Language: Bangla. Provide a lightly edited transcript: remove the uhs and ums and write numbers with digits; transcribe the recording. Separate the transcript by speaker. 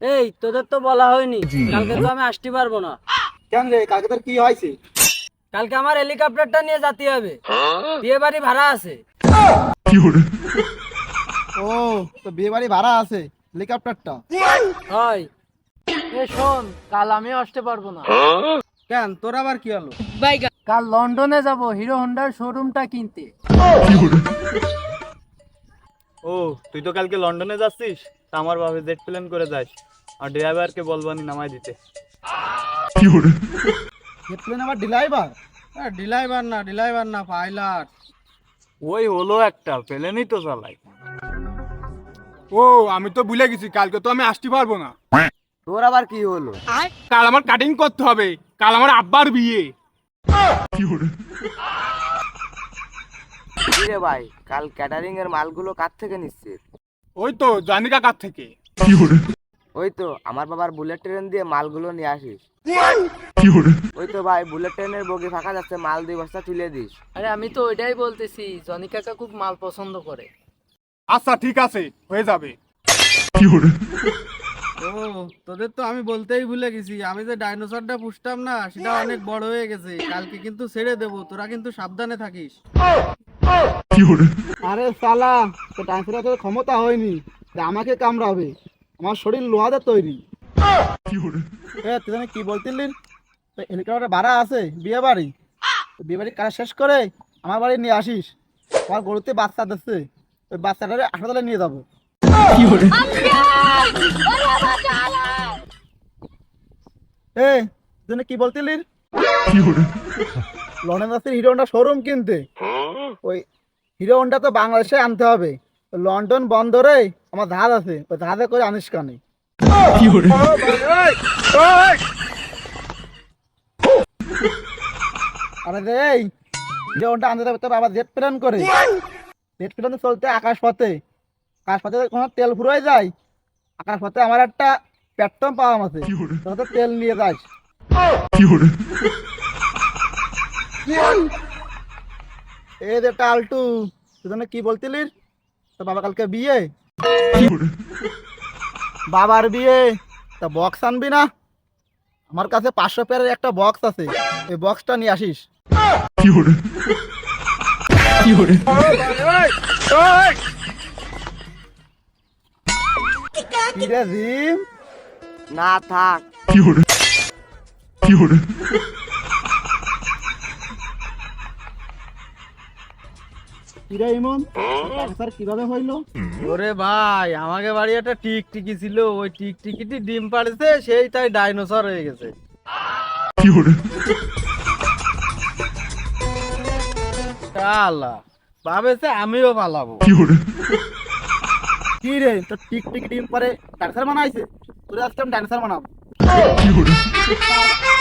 Speaker 1: এই তোদের তো বলা হয়নি, কালকে তো আমি আসতে পারবো না।
Speaker 2: কেন রে, কালকে তোর কি হয়েছে?
Speaker 1: কালকে আমার হেলিকপ্টারটা নিয়ে যেতে হবে, বিয়ে বাড়ি ভাড়া আছে।
Speaker 2: ও, তো বিয়ে বাড়ি ভাড়া আছে, হেলিকপ্টারটা
Speaker 1: হয় এ শোন, কাল আমি আসতে পারবো না।
Speaker 2: কেন, তোর আবার কি হলো?
Speaker 1: কাল লন্ডনে যাব হিরো হোন্ডার শোরুমটা কিনতে।
Speaker 3: ও, তুই তো কালকে লন্ডনে যাচ্ছিস, তা আমার ভাবে জেট প্লেন করে যাস, আর ড্রাইভারকে বলবানি নামাই দিতে।
Speaker 2: প্লেন আবার ড্রাইভার?
Speaker 1: ডিলাইভার না পাইলট।
Speaker 3: ওই হলো একটা প্লেনই তো চালাই।
Speaker 4: ও, আমি তো ভুলে গেছি, কালকে তো আমি আসতে পারবো না।
Speaker 2: তোর আবার কি হলো?
Speaker 4: কাল আমার কাটিং করতে হবে, কাল আমার আব্বার বিয়ে।
Speaker 2: রে ভাই, কাল ক্যাটারিং এর মালগুলো কার থেকে নিচ্ছিস?
Speaker 4: ওই তো জানি কাকার থেকে।
Speaker 2: ওই তো আমার বাবার বুলেট ট্রেন দিয়ে মালগুলো নিয়ে আসিস। ওই তো ভাই, বুলেট ট্রেনের বগি ফাঁকা যাচ্ছে, মাল 2 বস্তা তুলে দিস।
Speaker 1: আরে আমি তো ওইটাই বলতেছি, জনি কাকা খুব মাল পছন্দ করে।
Speaker 4: আচ্ছা ঠিক আছে, হয়ে যাবে।
Speaker 5: ও, তোদের তো আমি বলতেই ভুলে গেছি, আমি যে ডাইনোসরটা পুষতাম না, সেটা অনেক বড় হয়ে গেছে। কালকে কিন্তু ছেড়ে দেবো, তোরা কিন্তু সাবধানে থাকিস।
Speaker 2: আরে সালা, তো ডান্সের তো ক্ষমতা হয়নি যে আমাকে কামড়াবে, আমার শরীর লোহাতে তৈরি। তুই জানি কি বলতিলি? হেলিকপ্টার ভাড়া আছে বিয়ে বাড়ি, বিয়ে বাড়ি কাজ শেষ করে আমার বাড়ি নিয়ে আসিস। আমার গরুতে বাচ্চা দিচ্ছে, ওই বাচ্চাটারে হাসপাতালে নিয়ে যাবো। তুই কি বলতিলি? লন্ডন যাচ্ছিস হিরো হোন্ডা শোরুম কিনতে। ওই হিরো হোন্ডা তো বাংলাদেশে আনতে হবে, লন্ডন বন্দরে আমার জাহাজ আছে, ওই জাহাজে করে আনিস কানে। আরে রে, এই হিরো হোন্ডা আনতে হবে, তোর আবার জেট প্লেন করে, জেট প্লেনে চলতে আকাশ পথে, আকাশ পথে কোনো তেল ফুরাই যায়, আকাশ পথে আমার একটা পেট্রোল পাম্প আছে, তোর তো তেল নিয়ে যাস। এই যে টালটু, তুই জানি কি বলতিলি? তো বাবা কালকে বিয়ে, বাবার বিয়ে, তা বক্স আনবি না? আমার কাছে 500 পেয়ারের একটা বক্স আছে, এই বক্সটা নিয়ে আসিস। কি রে জিম? না থাক। কিরে ইমন, স্যার কিভাবে হইলো?
Speaker 5: ওরে ভাই, আমাকে বাড়ি একটা টিকটিকি ছিল, ওই টিকটিকিটি ডিম পাড়েছে, সেই তাই ডাইনোসর হয়ে গেছে। আল্লাহ, ভাবেছে আমিও পালাবো।
Speaker 2: কি রে, তো টিকটিকি ডিম পরে ডান্সার বানাইছে, তোর আজকে আমি ডান্সার বানাবো।